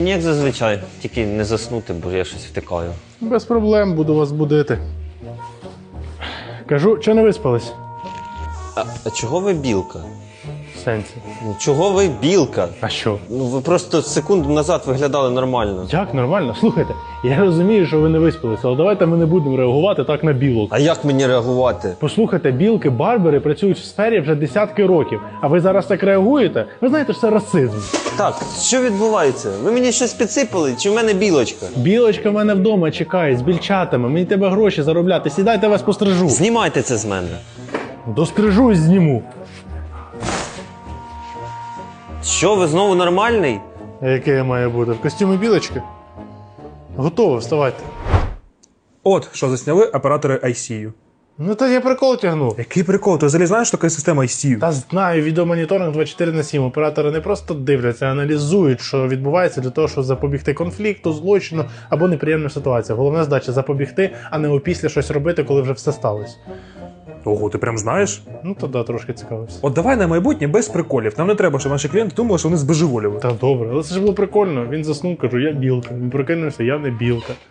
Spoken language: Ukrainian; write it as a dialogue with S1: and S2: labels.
S1: Як зазвичай, тільки не заснути, бо я щось втикаю.
S2: Без проблем, буду вас будити. Кажу, чи не виспались?
S1: А чого ви білка?
S2: В сенсі.
S1: Ну, чого ви білка?
S2: А що?
S1: Ну, ви просто секунду назад виглядали нормально.
S2: Як нормально? Слухайте, я розумію, що ви не виспалися, але давайте ми не будемо реагувати так на білок.
S1: А як мені реагувати?
S2: Послухайте, білки-барбери працюють в сфері вже десятки років, а ви зараз так реагуєте? Ви знаєте, що це расизм.
S1: Так, що відбувається? Ви мені щось підсипали, чи в мене білочка?
S2: Білочка в мене вдома чекає з більчатами, мені треба гроші заробляти, сідайте, вас пострижу.
S1: Знімайте це з мене.
S2: Дострижу і зніму.
S1: Що, ви знову нормальний?
S2: А яке я маю бути? В костюмі білочки? Готово, вставайте.
S3: От, що засняли оператори ICU.
S2: Ну то я прикол тягнув.
S3: Який прикол? Ти взагалі знаєш, що таке система ICU?
S2: Та знаю, відеомоніторинг 24/7. Оператори не просто дивляться, а аналізують, що відбувається для того, щоб запобігти конфлікту, злочину або неприємним ситуаціям. Головна задача запобігти, а не опісля щось робити, коли вже все сталося.
S3: Ого, ти прям знаєш?
S2: Ну то да, трошки цікавився.
S3: От давай на майбутнє без приколів. Нам не треба, щоб наші клієнти думали, що вони збожеволіли.
S2: Та добре, але це ж було прикольно. Він заснув, кажу, я білка. Він прокинувся, я не білка.